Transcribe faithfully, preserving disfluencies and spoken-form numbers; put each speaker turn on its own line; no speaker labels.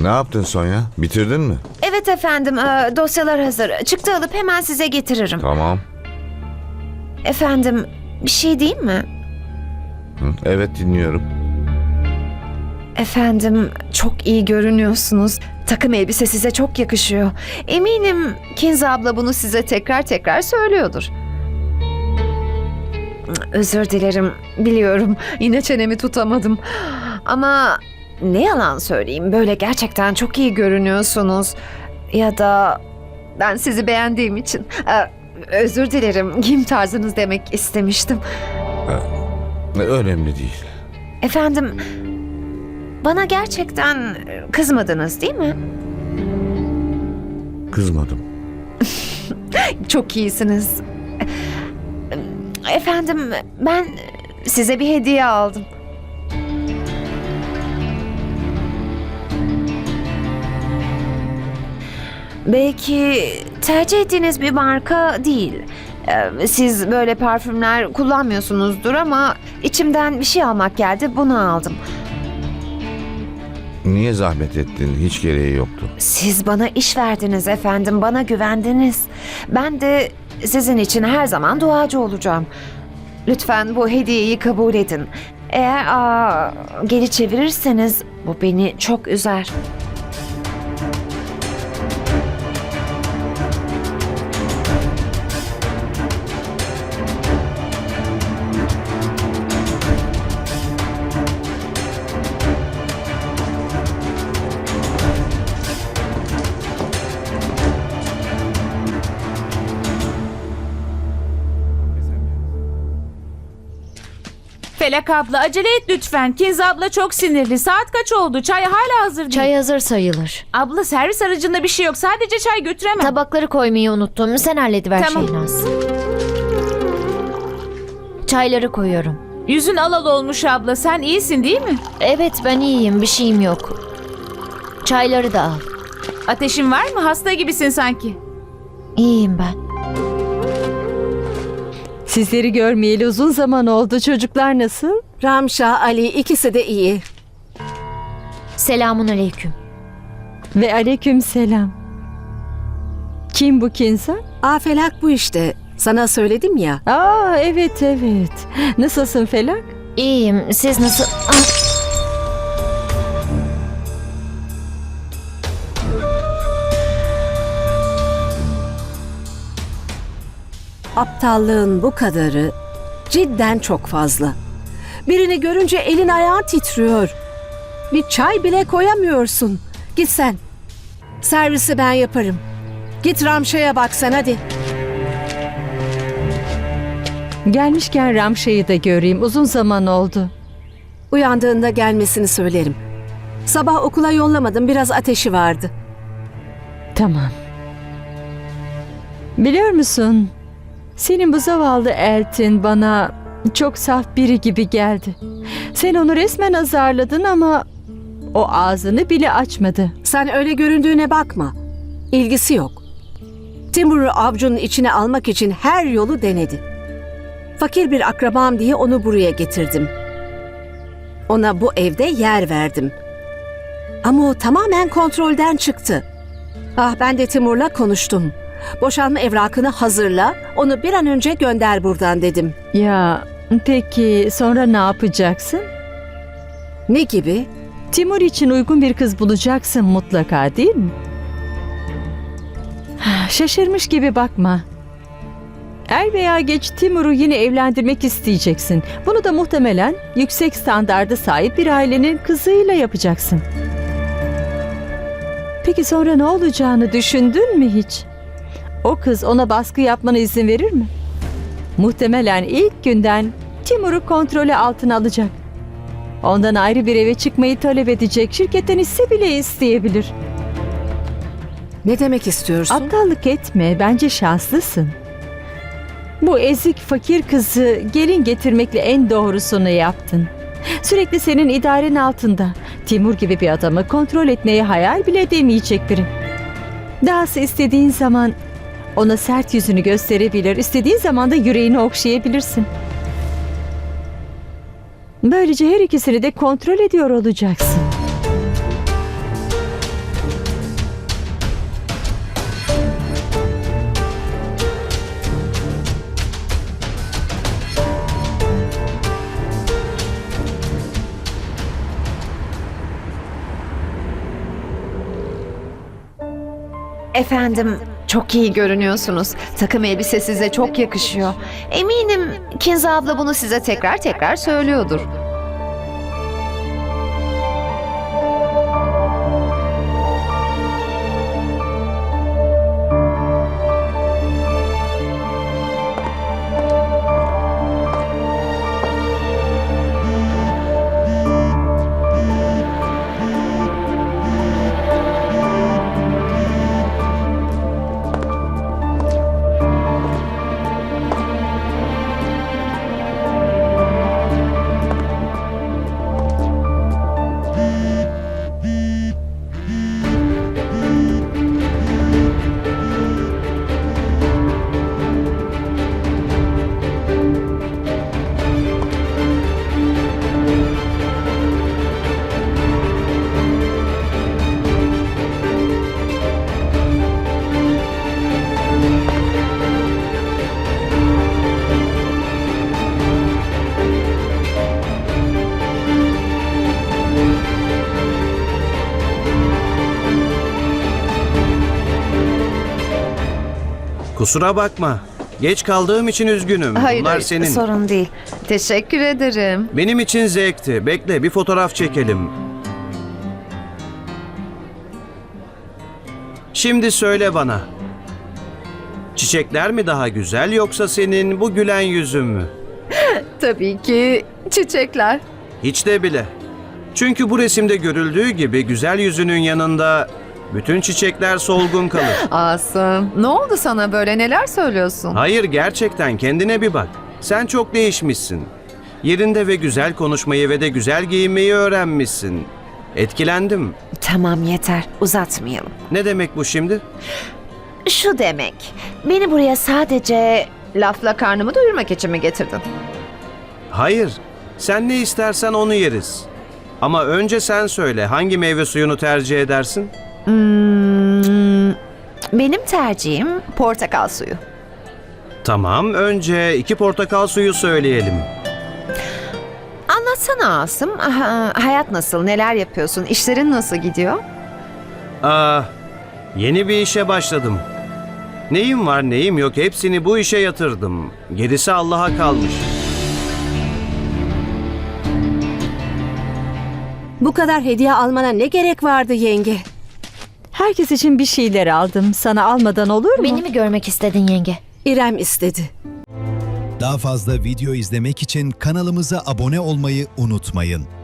Ne yaptın Sonya? Bitirdin mi?
Evet efendim, e, dosyalar hazır. Çıktı alıp hemen size getiririm.
Tamam.
Efendim, bir şey diyeyim mi?
Hı, evet dinliyorum.
Efendim, çok iyi görünüyorsunuz. Takım elbise size çok yakışıyor. Eminim Kinza abla bunu size tekrar tekrar söylüyordur. Özür dilerim, biliyorum. Yine çenemi tutamadım. Ama ne yalan söyleyeyim, böyle gerçekten çok iyi görünüyorsunuz. Ya da ben sizi beğendiğim için... e, özür dilerim, giyim tarzınız demek istemiştim.
Önemli değil.
Efendim, bana gerçekten kızmadınız değil mi?
Kızmadım.
Çok iyisiniz. Efendim, ben size bir hediye aldım. Belki tercih ettiğiniz bir marka değil. Ee, Siz böyle parfümler kullanmıyorsunuzdur ama içimden bir şey almak geldi, bunu aldım.
Niye zahmet ettin? Hiç gereği yoktu.
Siz bana iş verdiniz efendim, bana güvendiniz. Ben de sizin için her zaman duacı olacağım. Lütfen bu hediyeyi kabul edin. Eğer aa, geri çevirirseniz bu beni çok üzer.
Felak abla acele et lütfen. Kinza abla çok sinirli. Saat kaç oldu? Çay hala hazır değil.
Çay hazır sayılır.
Abla servis aracında bir şey yok. Sadece çay götüremem.
Tabakları koymayı unuttum. Sen hallediver
Tamam.
Şehnaz. Çayları koyuyorum.
Yüzün alal olmuş abla. Sen iyisin değil mi?
Evet ben iyiyim. Bir şeyim yok. Çayları da al.
Ateşin var mı? Hasta gibisin sanki.
İyiyim ben.
Sizleri görmeyeli uzun zaman oldu. Çocuklar nasıl?
Ramşa, Ali ikisi de iyi.
Selamun aleyküm.
Ve aleyküm selam. Kim bu Kinza?
Afelak bu işte. Sana söyledim ya.
Aa evet evet. Nasılsın Felak?
İyiyim. Siz nasıl... Ah,
Aptallığın bu kadarı cidden çok fazla. Birini görünce elin ayağın titriyor. Bir çay bile koyamıyorsun. Git sen. Servisi ben yaparım. Git Ramşa'ya bak sen hadi.
Gelmişken Ramşa'yı da göreyim. Uzun zaman oldu.
Uyandığında gelmesini söylerim. Sabah okula yollamadım, biraz ateşi vardı.
Tamam. Biliyor musun? Senin bu zavallı Eltin bana çok saf biri gibi geldi. Sen onu resmen azarladın ama o ağzını bile açmadı.
Sen öyle göründüğüne bakma. İlgisi yok. Timur'u avcunun içine almak için her yolu denedi. Fakir bir akrabam diye onu buraya getirdim. Ona bu evde yer verdim. Ama o tamamen kontrolden çıktı. Ah ben de Timur'la konuştum. Boşanma evrakını hazırla, onu bir an önce gönder buradan dedim.
Ya peki sonra ne yapacaksın?
Ne gibi?
Timur için uygun bir kız bulacaksın mutlaka değil mi? Şaşırmış gibi bakma. Er veya geç Timur'u yine evlendirmek isteyeceksin. Bunu da muhtemelen yüksek standarda sahip bir ailenin kızıyla yapacaksın. Peki sonra ne olacağını düşündün mü hiç? O kız ona baskı yapmana izin verir mi? Muhtemelen ilk günden Timur'u kontrolü altına alacak. Ondan ayrı bir eve çıkmayı talep edecek, şirketten hisse bile isteyebilir.
Ne demek istiyorsun?
Aptallık etme, bence şanslısın. Bu ezik fakir kızı gelin getirmekle en doğrusunu yaptın. Sürekli senin idaren altında. Timur gibi bir adamı kontrol etmeyi hayal bile edemeyecek biri. Dahası istediğin zaman ona sert yüzünü gösterebilir, istediğin zaman da yüreğini okşayabilirsin. Böylece her ikisini de kontrol ediyor olacaksın.
Efendim, çok iyi görünüyorsunuz. Takım elbise size çok yakışıyor. Eminim Kinza abla bunu size tekrar tekrar söylüyordur.
Kusura bakma. Geç kaldığım için üzgünüm.
Hayır,
Bunlar
hayır,
senin.
sorun değil. Teşekkür ederim.
Benim için zevkti. Bekle, bir fotoğraf çekelim. Şimdi söyle bana. Çiçekler mi daha güzel yoksa senin bu gülen yüzün mü?
Tabii ki çiçekler.
Hiç de bile. Çünkü bu resimde görüldüğü gibi güzel yüzünün yanında bütün çiçekler solgun kalır.
Asım, ne oldu sana böyle, neler söylüyorsun?
Hayır, gerçekten kendine bir bak. Sen çok değişmişsin. Yerinde ve güzel konuşmayı ve de güzel giyinmeyi öğrenmişsin. Etkilendim.
Tamam, yeter, uzatmayalım.
Ne demek bu şimdi?
Şu demek, beni buraya sadece lafla karnımı doyurmak için mi getirdin?
Hayır. Sen ne istersen onu yeriz. Ama önce sen söyle, hangi meyve suyunu tercih edersin?
Hmm, benim tercihim portakal suyu.
Tamam, önce iki portakal suyu söyleyelim.
Anlatsana Asım, aha, hayat nasıl, neler yapıyorsun, işlerin nasıl gidiyor?
Aa, yeni bir işe başladım. Neyim var neyim yok hepsini bu işe yatırdım. Gerisi Allah'a kalmış.
Bu kadar hediye almana ne gerek vardı yenge?
Herkes için bir şeyler aldım. Sana almadan olur mu?
Beni mi görmek istedin yenge?
İrem istedi.
Daha fazla video izlemek için kanalımıza abone olmayı unutmayın.